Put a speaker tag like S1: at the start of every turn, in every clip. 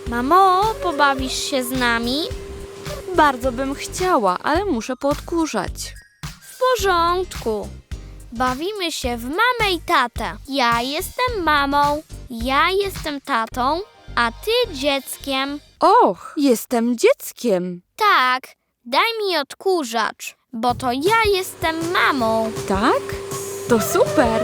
S1: Mamo, pobawisz się z nami?
S2: Bardzo bym chciała, ale muszę poodkurzać.
S1: W porządku. Bawimy się w mamę i tatę. Ja jestem mamą, ja jestem tatą, a ty dzieckiem.
S2: Och, jestem dzieckiem.
S1: Tak, daj mi odkurzacz, bo to ja jestem mamą.
S2: Tak? To super.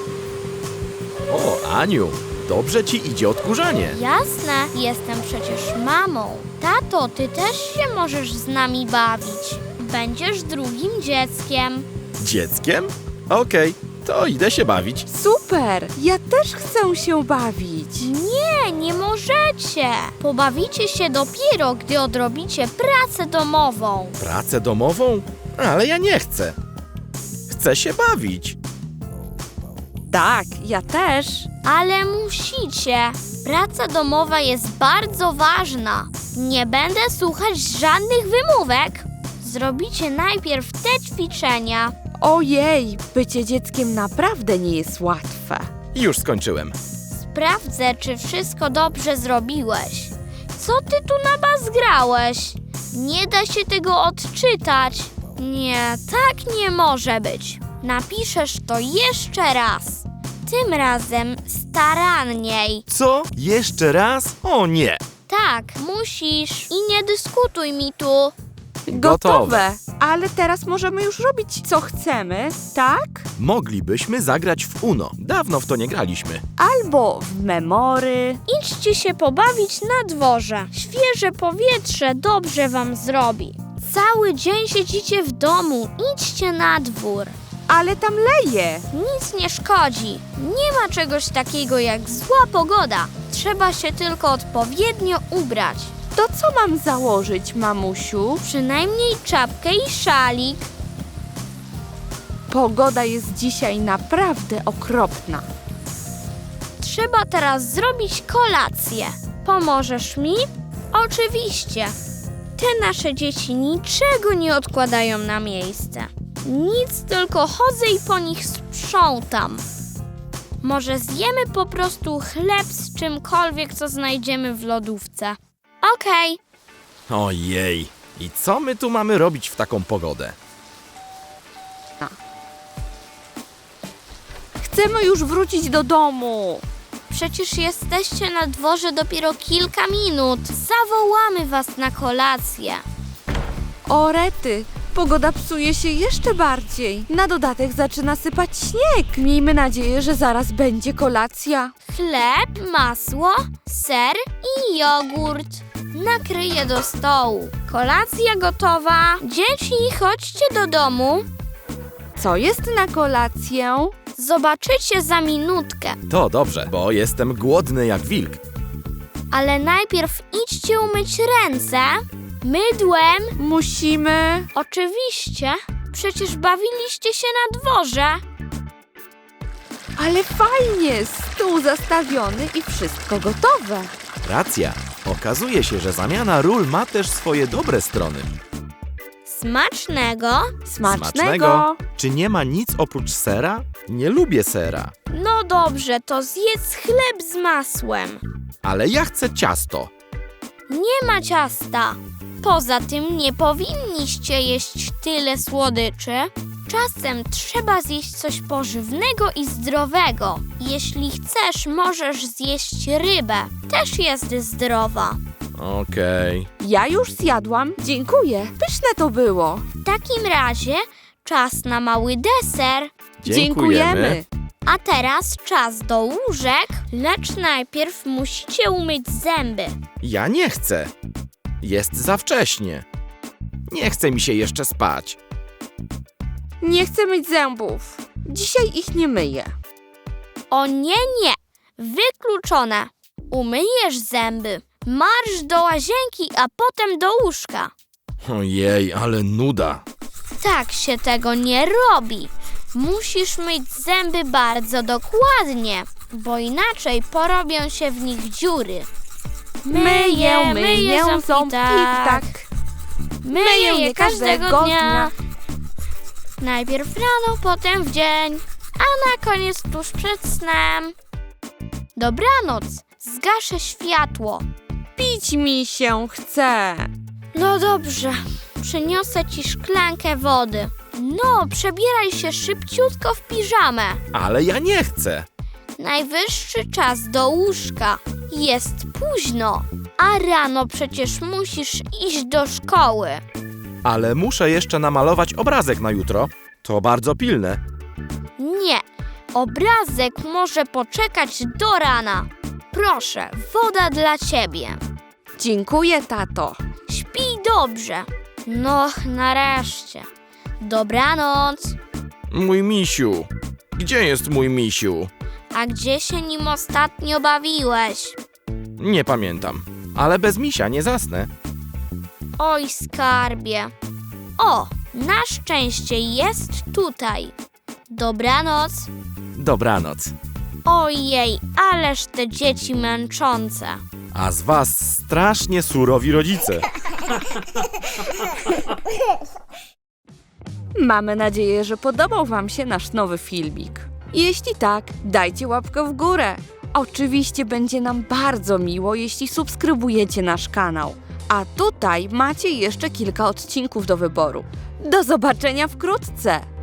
S3: O, Aniu, dobrze ci idzie odkurzanie.
S1: Jasne, jestem przecież mamą. Tato, ty też się możesz z nami bawić. Będziesz drugim dzieckiem.
S3: Dzieckiem? Okej, to idę się bawić.
S2: Super. Ja też chcę się bawić.
S1: Nie możecie. Pobawicie się dopiero, gdy odrobicie pracę domową.
S3: Pracę domową? Ale ja nie chcę. Chcę się bawić.
S2: Tak, ja też.
S1: Ale musicie. Praca domowa jest bardzo ważna. Nie będę słuchać żadnych wymówek. Zrobicie najpierw te ćwiczenia.
S2: Ojej, bycie dzieckiem naprawdę nie jest łatwe.
S3: Już skończyłem.
S1: Sprawdzę, czy wszystko dobrze zrobiłeś. Co ty tu nabazgrałeś? Nie da się tego odczytać. Nie, tak nie może być. Napiszesz to jeszcze raz. Tym razem staranniej.
S3: Co? Jeszcze raz? O nie.
S1: Tak, musisz. I nie dyskutuj mi tu.
S3: Gotowe.
S2: Ale teraz możemy już robić, co chcemy, tak?
S3: Moglibyśmy zagrać w Uno. Dawno w to nie graliśmy.
S2: Albo w memory.
S1: Idźcie się pobawić na dworze. Świeże powietrze dobrze wam zrobi. Cały dzień siedzicie w domu. Idźcie na dwór.
S2: Ale tam leje.
S1: Nic nie szkodzi. Nie ma czegoś takiego jak zła pogoda. Trzeba się tylko odpowiednio ubrać.
S2: To co mam założyć, mamusiu?
S1: Przynajmniej czapkę i szalik.
S2: Pogoda jest dzisiaj naprawdę okropna.
S1: Trzeba teraz zrobić kolację. Pomożesz mi? Oczywiście. Te nasze dzieci niczego nie odkładają na miejsce. Nic, tylko chodzę i po nich sprzątam. Może zjemy po prostu chleb z czymkolwiek, co znajdziemy w lodówce. Okej.
S3: Ojej. I co my tu mamy robić w taką pogodę?
S2: Chcemy już wrócić do domu.
S1: Przecież jesteście na dworze dopiero kilka minut. Zawołamy was na kolację.
S2: O rety, pogoda psuje się jeszcze bardziej. Na dodatek zaczyna sypać śnieg. Miejmy nadzieję, że zaraz będzie kolacja.
S1: Chleb, masło, ser i jogurt. Nakryję do stołu. Kolacja gotowa. Dzieci, chodźcie do domu.
S2: Co jest na kolację?
S1: Zobaczycie za minutkę.
S3: To dobrze, bo jestem głodny jak wilk.
S1: Ale najpierw idźcie umyć ręce. Mydłem.
S2: Musimy...
S1: Oczywiście. Przecież bawiliście się na dworze.
S2: Ale fajnie, stół zastawiony i wszystko gotowe.
S3: Racja. Okazuje się, że zamiana ról ma też swoje dobre strony.
S1: Smacznego.
S2: Smacznego.
S3: Czy nie ma nic oprócz sera? Nie lubię sera.
S1: No dobrze, to zjedz chleb z masłem.
S3: Ale ja chcę ciasto.
S1: Nie ma ciasta. Poza tym nie powinniście jeść tyle słodyczy. Czasem trzeba zjeść coś pożywnego i zdrowego. Jeśli chcesz, możesz zjeść rybę. Też jest zdrowa.
S3: Okej.
S2: Ja już zjadłam. Dziękuję. Pyszne to było.
S1: W takim razie czas na mały deser.
S3: Dziękujemy.
S1: A teraz czas do łóżek, lecz najpierw musicie umyć zęby.
S3: Ja nie chcę. Jest za wcześnie. Nie chce mi się jeszcze spać.
S2: Nie chcę myć zębów. Dzisiaj ich nie myję.
S1: O nie, nie. Wykluczone. Umyjesz zęby. Marsz do łazienki, a potem do łóżka.
S3: Ojej, ale nuda.
S1: Tak się tego nie robi. Musisz myć zęby bardzo dokładnie, bo inaczej porobią się w nich dziury.
S2: Myję ząbki tak.
S1: Myję je każdego dnia. Najpierw rano, potem w dzień, a na koniec tuż przed snem. Dobranoc, zgaszę światło.
S2: Pić mi się chce.
S1: No dobrze, przyniosę ci szklankę wody. No, przebieraj się szybciutko w piżamę.
S3: Ale ja nie chcę.
S1: Najwyższy czas do łóżka. Jest późno, a rano przecież musisz iść do szkoły.
S3: Ale muszę jeszcze namalować obrazek na jutro. To bardzo pilne.
S1: Nie, obrazek może poczekać do rana. Proszę, woda dla ciebie.
S2: Dziękuję, tato.
S1: Śpij dobrze. No, nareszcie. Dobranoc.
S3: Mój misiu. Gdzie jest mój misiu?
S1: A gdzie się nim ostatnio bawiłeś?
S3: Nie pamiętam. Ale bez misia nie zasnę.
S1: Oj, skarbie. O, na szczęście jest tutaj. Dobranoc.
S3: Dobranoc.
S1: Ojej, ależ te dzieci męczące.
S3: A z was strasznie surowi rodzice.
S2: Mamy nadzieję, że podobał wam się nasz nowy filmik. Jeśli tak, dajcie łapkę w górę. Oczywiście będzie nam bardzo miło, jeśli subskrybujecie nasz kanał. A tutaj macie jeszcze kilka odcinków do wyboru. Do zobaczenia wkrótce!